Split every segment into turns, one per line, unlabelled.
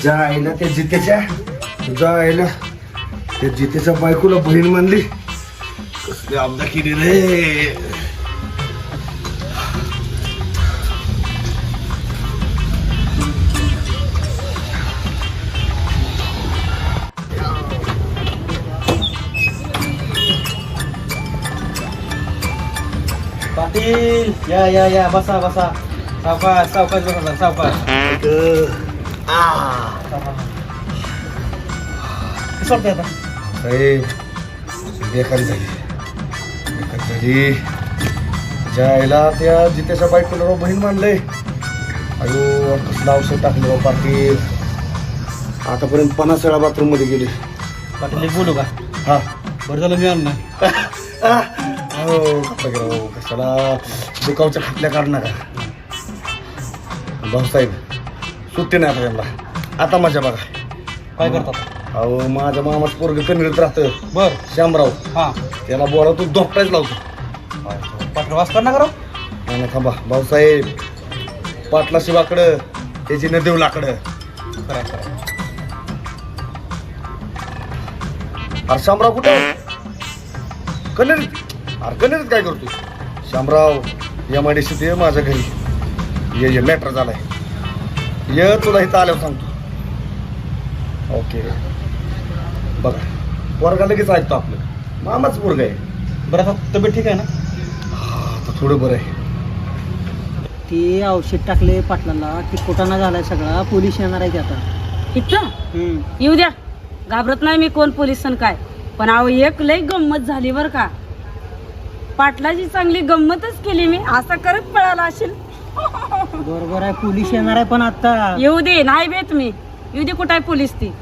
जायला त्या जितेच्या जायला त्या जितेच्या बायकोला बहीण मानली. कसली आपदा केली रे.
पाटील या या या बसा बसा. सावकाश सावकाश बसा सावकाश. सोडते आता
साहेब बेकार झाली बेकार झाली. जायला त्या जितेच्या बायकोला बहीण मानलंय. अयो कसलं औषध टाकलं बा पाटील. आतापर्यंत 50 वेळा बाथरूम मध्ये गेले.
पाटील एक बोलू का?
हा
बरं झालं मी आलो ना.
हो कशाला दुखावच्या खाटल्या काढणार भाऊसाहेब. सुट्टी नाही आता त्यांना. आता माझ्या बघा
काय करतात?
अहो माझ्या मामाचं पोरग कन्नडीत राहतं
बर
श्यामराव.
हा
त्याला बोला तू डॉक्टरच लावतो.
पाटील वास कर ना करो.
नाही थांबा भाऊसाहेब. पाटला शिवाकडं त्याची न देऊ लाकडं.
खरं खरं.
अरे शामराव कुठे कन्नडीत? अरे कन्नडीत काय करतो शामराव? MIDC ते माझ्या घरी ये मॅटर झालाय. ये तुला इथं आल्यावर सांगतो. ओके बघा पोरगा लगेच ऐकतो. आपलं मामाच पोरग आहे.
बरं आता तब्येत ठीक आहे ना?
आता थोडं बरं आहे.
ते औषध टाकले पाटलाला. ते कुटाणा झालाय सगळा. पोलीस येणार आहे आता.
इथं येऊ द्या. घाबरत नाही मी कोण पोलिस काय. पण अहो एक लई गंमत झाली बर का. पाटलाची चांगली गंमतच केली मी. असं करत पळाला असेल.
बरोबर आहे. पोलीस येणार आहे पण आता.
येऊ दे नाही बेत मी. येऊ दे कुठं आहे पोलीस ती.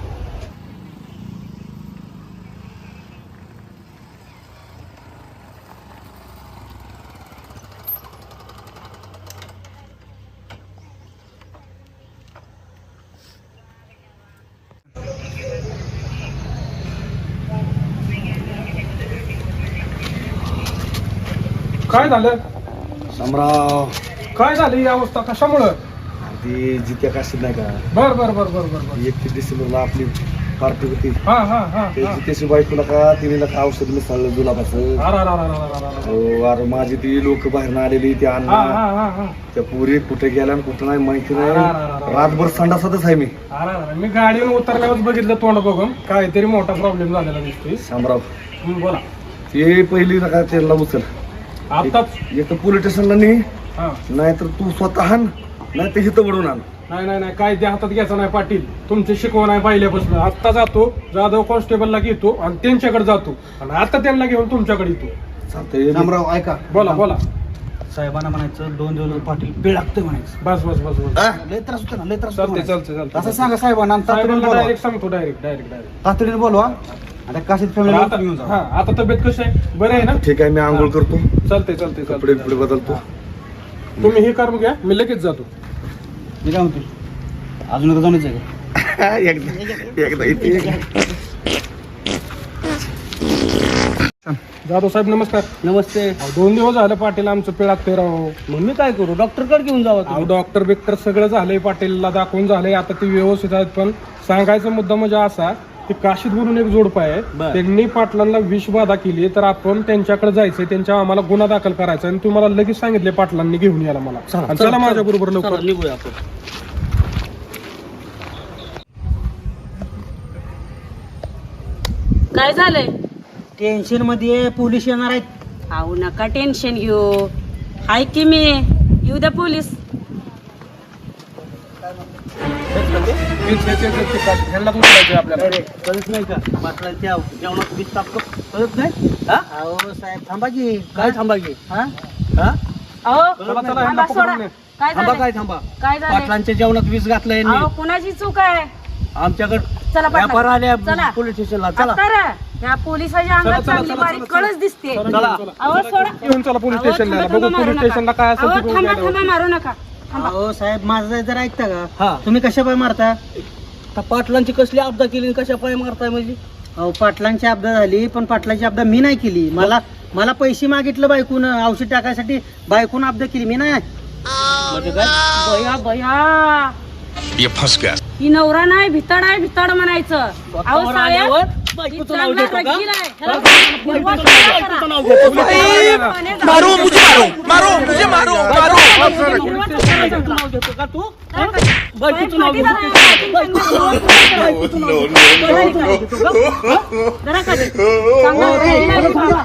काय झालं?
शामराव
काय झाली ही अवस्था कशामुळं?
ती जित्या काशीद नाही का?
बर बर बर बर बर बर.
31 डिसेंबरला आपली पार्टी होती.
हा हा हा
ते
हा.
जितेशी बायकोला का तिने का औषध मिसळलं जुलाबाचं.
अरे, अरे, अरे, अरे, अरे, अरे.
हो अरे माझी ती लोक बाहेर आलेली त्या
हा
अण्णा
हा हा हा.
त्या पुरी कुठे गेल्या आणि कुठं नाही माहिती
अरे,
नाही.
अरे, अरे, अरे.
रातभर संडासातच आहे मी.
अरे, अरे, मी गाडीवर उतरल्यावर बघितलं तोंड बघून काहीतरी मोठा प्रॉब्लेम झालेला दिसतोय.
शामराव
बोला.
ते पहिली नका त्याला उचल.
आताच
एक तर पोलीस स्टेशनला नाही
हा.
नाहीतर तू स्वतः आण नाही तर इथं वडून आण.
नाही नाही नाही काय ते हातात घ्यायचं नाही पाटील. तुमची शिकवण आहे पहिल्यापासून. आत्ता जातो जाधव कॉन्स्टेबलला घेतो आणि त्यांच्याकडे जातो आणि आता त्यांना घेऊन तुमच्याकडे येतो.
चालतंय.
शामराव ऐका.
बोला बोला.
साहेबांना म्हणायचं 2 दिवस पाटील पिळ लागतोय म्हणायचं.
बस बस बस बस.
हा?
लय त्रास होतो ना लय त्रास
चालते
होतो
चालते चालते.
असं सांगा साहेबांना आणि तातडीने
साहेबांना
बोलवा.
डायरेक्ट सांगतो. Direct direct direct.
तातडीने बोलवा. आता काशीद फॅमिली घेऊन जा.
हा आता तब्येत कशी आहे? बरं आहे ना?
ठीक आहे मी आंघोळ करतो.
चालते चालते
कपडे
चालते.
बिपडे बदलतो.
तुम्ही हे करून घ्या मी लगेच जातो.
मी काय म्हणतो अजून एकदा जाऊनच आहे
एकदा इथे
जाधव साहेब नमस्कार.
नमस्ते.
2 दिवस झाले पाटील आमचं पिळागते राव.
मग मी काय करू डॉक्टरकडे घेऊन जावं
अहो डॉक्टर बिक्टर सगळं झालंय. पाटीलला दाखवून झालंय. आता ते व्यवस्थित आहेत. पण सांगायचा मुद्दा म्हणजे असा की काशीद म्हणून एक जोडपा आहे.
बर.
त्यांनी पाटलांना विषबाधा केली तर आपण त्यांच्याकडे जायचंय. त्यांच्या आम्हाला गुन्हा दाखल करायचा आणि तुम्हाला लगेच सांगितले पाटलांनी घेऊन यायला मला. आणि चला माझ्या बरोबर लवकर.
निघूया आपण.
काय झालंय?
टेन्शन मध्ये पोलीस येणार आहेत.
अहो नका टेन्शन घेऊ. हाय की मी. येऊ द्या पोलीस.
ह्यांना उचलायचंय आपल्याला.
कळत नाही का पाटलांच्या जेवणात वीज टाकतो कळत नाही. हा
अहो साहेब थांबा की.
काय थांबा की?
हा
हा
अहो
चला, चला,
थांबा,
ह्यांना
सोडा.
पकडून ने.
काय
थांबा
झालंय?
काय थांबा.
काय झालंय?
पाटलांच्या जेवणात वीज घातलंय
अहो कुणाची चूक आहे?
आमच्याकडे
चला पाटला.
व्यापार आल्या
चला.
पोलीस स्टेशनला. चला
आता रे, या पोलिसाच्या अंगात
चला, चला,
चांगली
चला,
बारीक
चला,
कळच दिसते.
चला.
अहो सोडा.
घेऊन चला पोलीस
अहो,
स्टेशनला.
थांबा,
बघू
थांबा,
पोलीस
मारू
स्टेशनला काय
नका.
असेल
अहो,
ते
थांबा
बघू.
थांबा मारू नका. थांबा.
अहो साहेब माझं जर ऐकता
हा.
का? तुम्ही कशा पाय मारता?
आता पाटलांची कसली आपदा केली कशा पाय मारताय म्हणजे?
अहो पाटलांची आपदा झाली पण पाटलाची आपदा मी नाही केली. मला पैसे मागितलं बायकून औषध टाकायसाठी. बायकून आपदा केली मी नाही.
म्हणजे काय?
बया बया
ये फंस गया.
ही नवरा नाही भिताड आहे भिताड म्हणायचं. अहो
स्वतःवर
साहेब,
आल्यावर
ही
बायकोचं नाव
चांगला
घेतो का?
रगील आहे. ह्याला हिरवा कलर करा. पाण्यात
मारो मुझे मारो
हिरवा कलर करा.
नाव घेतो का तू?
काय
हा?
करता?
बायकोचं नाव
पाटील
घेतो
आहे.
बायकोचं नाव घेतो का?
जरा खाली. चांगला रगील आहे बाबा.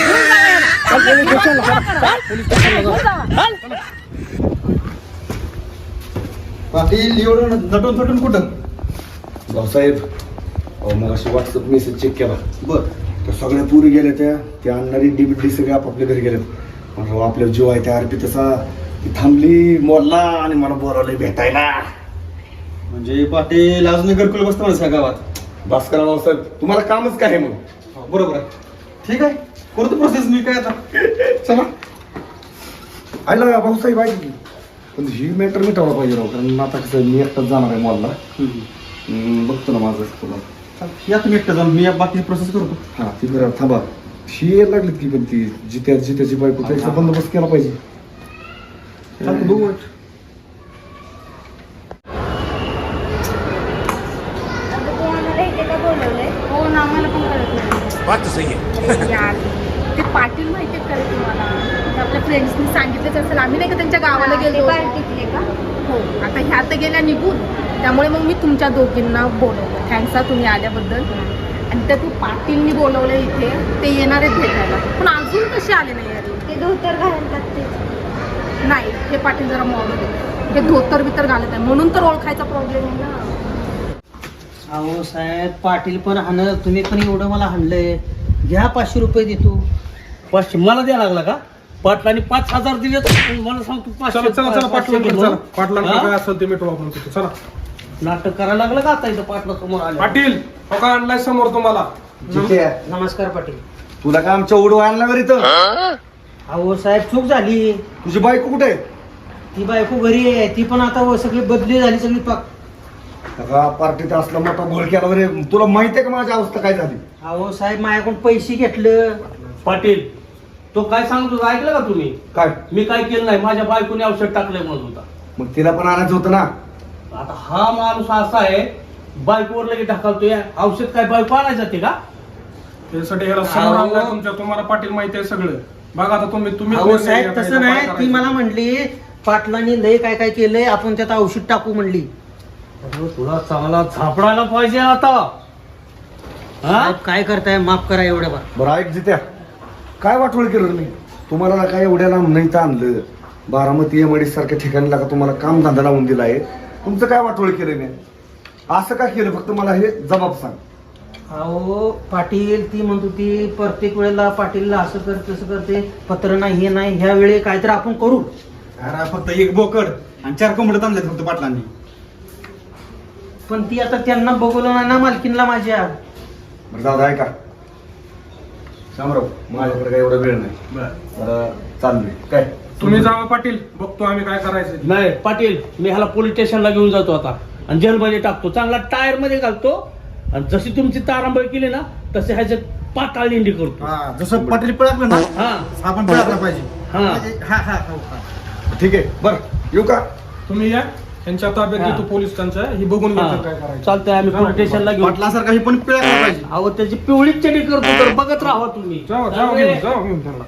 पाटील एवढं नटून थटून कुठं?
भाऊसाहेब अहो मग अशी व्हॉट्सअप मेसेज चेक केला
बर.
तर सगळ्या पुरी गेल्या त्या आणणारी डीबीडी सगळे आपापल्या घरी गेले. म्हणलं आपल्या जीव आहे त्या आरपी तसा ती थांबली मोडला आणि मला बोलावलं भेटायला.
म्हणजे पाटील अजून घरकुल बसतो माणूस या गावात.
बस करा भाऊसाहेब तुम्हाला कामच काय आहे मग.
हो, बरोबर आहे. ठीक आहे करतो प्रोसेस मी काय आता.
चला आयला भाऊसाहेब ऐक की. पण ही मॅटर मिटावला पाहिजे राव कारण आता कसं मी एकटाच जाणार आहे मॉलला. बघतो ना माझं तुला.
या तुम्ही एकटं जाऊन मी बाकीची प्रोसेस करतो.
हा ती बरं थांबा ही यायला लागलीत की पण ती जित्याची बायको त्याचा बंदोबस्त केला पाहिजे. चालतं बघू वाट.
हो ना आम्हाला पण कळत नाही.
बात तो सही है.
यार ते पाटील माहिती आहे का तुम्हाला ते आपल्या फ्रेंड्सनी सांगितलंच असेल. आम्ही नाही का त्यांच्या गावाला गेलो का हो आता ह्या तर गेल्या निघून. त्यामुळे मग मी तुमच्या दोघींना बोलवलं. थँक्स हा तुम्ही आल्याबद्दल. आणि त्या तू पाटीलनी बोलवलं इथे ते येणार आहेत भेटायला पण अजून कसे आले नाही यार.
ते धोतर घालतात ते.
नाही हे पाटील जरा मॉडल आहे. हे धोतर बितर घालत आहे म्हणून तर ओळखायचा प्रॉब्लेम आहे ना.
अहो साहेब पाटील पण हाणं तुम्ही पण एवढं मला हाणलंय. घ्या 500 रुपये देतो.
500 मला द्यायला लागला का? पाटलांनी 5000 दिले मला सांगतो
चला चला चला पाटलांकडे चला. पाटलांकडे काय असेल ते मिटवू आपण तिथे. चला
नाटक करायला लागलं का आता इथं पाटला समोर आले.
पाटील हो का आणलाय समोर तुम्हाला.
जित्या
नमस्कार पाटील.
तुला काय आमच्या उडवा आणला घरी तर.
अहो साहेब चूक झाली.
तुझी बायको कुठे आहे.
ती बायको घरी आहे. ती पण आता सगळी बदली झाली सगळी पाक.
पार्टीत असला मोठा घोळ केला बरे. तुला माहिती आहे का माझी अवस्था काय झाली.
अहो साहेब माझ्याकडून पैसे घेतलं.
पाटील तो काय सांगतो ऐकलं का तुम्ही?
काय
मी काय केलं नाही. माझ्या बायकोने औषध टाकलंय म्हणत होता.
मग तिला पण आणायचं होतं ना.
आता हा माणूस असा आहे बायकोवर लगेच ढकलतोय. औषध काय बायको आणायला जाते का?
त्यासाठी ह्याला समोर आणलाय तुमच्या. तुम्हाला पाटील माहिती आहे सगळं. बघा आता तुम्ही
अहो साहेब तसं नाही. ती मला म्हणली पाटलांनी लय काय काय केलंय आपण त्यात औषध टाकू म्हणली.
तुला चांगला झापडायला पाहिजे आता.
साहेब, काय करताय माफ करा एवढ्या बा.
बरं ऐक जित्या काय वाटवळ केलं मी तुम्हाला काय एवढ्या लांब नाही तर आणलं. बारामती एमआयडी सारख्या ठिकाणी लागा तुम्हाला काम धंदा लावून दिलाय. तुमचं काय वाटवळ केलं मी असं काय केलं फक्त मला हे जबाब सांग.
अहो पाटील ती म्हणत होती प्रत्येक वेळेला पाटीलला असं कर तसं करते पत्र नाही हे नाही ह्या वेळी काहीतरी आपण करू.
अरे फक्त एक बोकड आणि 4 कोंबडे आणलेत फक्त पाटलांनी.
पण ती आता त्यांना बघवलं नाही ना मालकीनला माझ्या.
बरं दादा ऐका शामराव माझ्याकडे काय एवढा वेळ नाही. बरं चाललोय काय
तुम्ही जावा पाटील. बघतो आम्ही काय करायचं.
नाही पाटील मी ह्याला पोलीस स्टेशनला घेऊन जातो आता आणि जेलमध्ये टाकतो. चांगला टायर मध्ये घालतो आणि जशी तुमची तारांबळ केली ना तसे ह्याच्यात पाताळ दिंडी करतो.
जसं पाटील पळकलं ना
हा
आपण पळकला पाहिजे.
हा
ठीक आहे बरं येऊ का.
तुम्ही या त्यांच्या ताब्यात
हा.
घेतो पोलीस त्यांच्या. ही बघून घेतो काय करायचं.
चालतंय आम्ही पोलीस स्टेशनला घेऊन.
पाटलासारखा ही पण पळकला पाहिजे.
अहो त्याची पिवळीच चडी करतो तर बघत राहा तुम्ही.
जाऊ घेऊन त्यांना.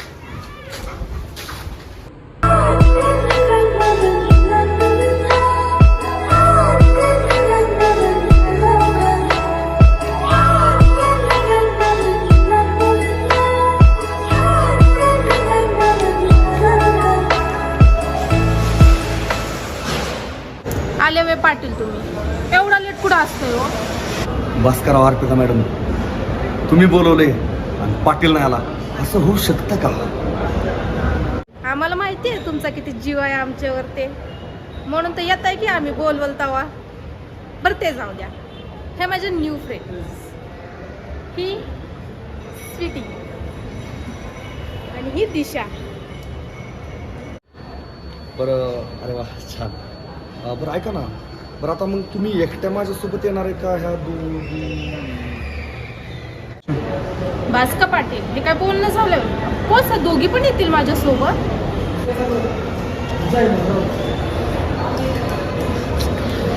आले वे पाटील तुम्ही एवढा लेट कुठं असतोय हो.
बस करा अर्पिता मॅडम. तुम्ही बोलवले आणि पाटील नाही आला असं होऊ शकतं का.
आम्हाला माहिती आहे तुमचा किती जीव आहे आमच्यावर ते म्हणून तर येत आहे की आम्ही बोलवल तवा. बरं ते जाऊ द्या. हे माझे न्यू फ्रेंड्स. ही स्वीटी आणि ही दिशा.
बरं अरे वा छान. बरं ऐका ना. बरं आता मग तुम्ही एकट्या माझ्यासोबत येणार आहे का ह्या
भास्कर पाटील हे काय बोलणं झालं. कोण दोघी पण येतील माझ्यासोबत.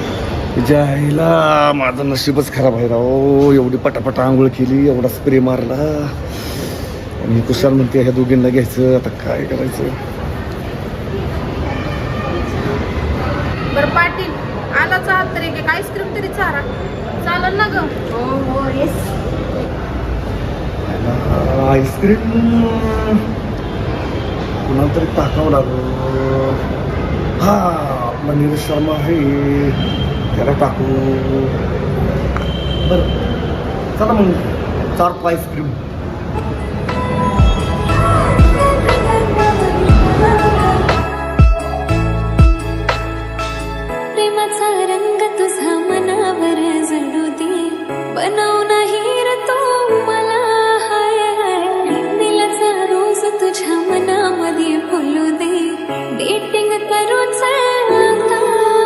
तिच्या आईला माझं नशीबच खराब आहे राव. एवढी पटापटा आंघोळ केली, एवढा स्प्रे मारला आणि कुशाल म्हणते ह्या दोघींना घ्यायचं. आता काय करायचं?
बरं पाटील आलाच आहात तरी एक आईस्क्रीम तरी चारा चालेल ना ग? हो येस.
आईस्क्रीम कुणाला तरी टाकावं लागलं. हा आपला नीरज शर्मा आहे, त्याला टाकू. बरं चला मग 4 आईस्क्रीम.
प्रेमाचा रंग तुझा मनावर जडू दे, बनव नाही रे तो मला. हाय हाय दिलाचा रोज तुझ्या मनामध्ये फुलू दे, डेटिंग करून आता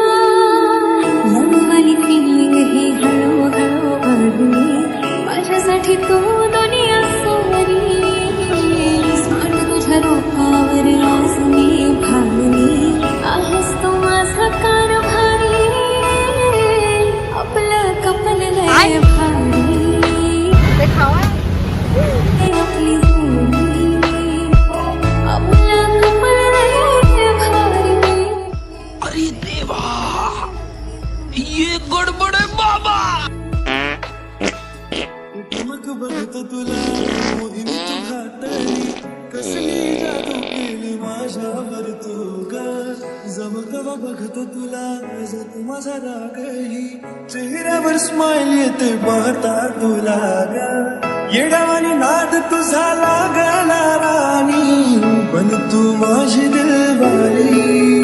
लववाली फिलिंग ही हळूहळू वाढली. माझ्यासाठी तू दुनिया सारी, स्मार्ट तुझ्या रूपावर आज मी भावली. आहेस तू माझा कारभारी, आपलं कपल लय भारी.
ते खावा.
आपली जोडी, आपलं कपल लय भारी.
अरे देवा, ये गडबड आहे बाबा.
मग बघत तुला मोहिनी तू घातली, कसली जादू केली माझ्यावर तू ग. जवळ बघत तुला जात माझा रागही, चेहऱ्यावर स्माइल येते पाहता तुला ग. येडावानी नाद तुझा लागला राणी, पण तू माझी दिलवाली.